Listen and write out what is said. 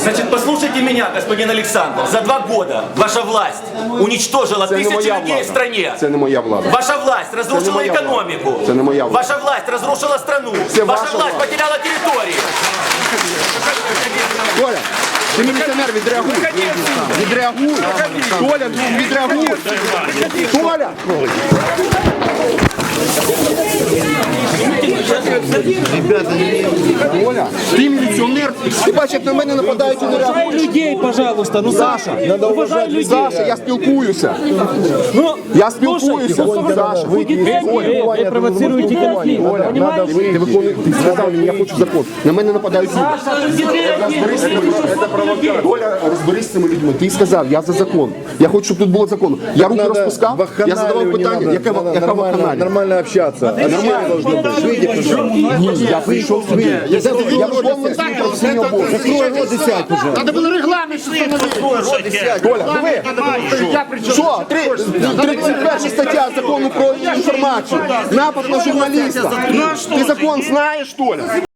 Значит, послушайте меня, господин Александр. За 2 года ваша власть уничтожила тысячи людей в стране. Це не моя влада. Ваша власть разрушила экономику. Це не моя влада. Ваша власть разрушила страну. Це Ваша ваша власть влада. потеряла территории. Толя, ти міліціонер, відреагуй. Відреагуй. Толя, відреагуй. Толя! Толя, ти міліціонер, ти бачиш, як на мене нападають і не реагуєш. Людей, пожалуйста, ну Саша, уважай людей. Саша, я спілкуюся. Ну, Я спілкуюся. Саша, вы провоцируете конфликт, понимаете? ти виконуєш, ти сказав мені, я хочу закон. На мене нападають люди. Толя, розберись з цими людьми. Ти сказав, я за закон. Я хочу, щоб тут було закон. Я руки розпускав, я задавав питання. Яка вакханалія? Нормально общаться. Ні, я прийшов сюди. Я виконую свій професійний обов'язок. Закрой рот и сядь, пожалуйста. Надо було регламент встановити. Толя, диви. Що? 31 стаття закону про інформацію. Напад на журналіста. Ти закон знаєш, Толя?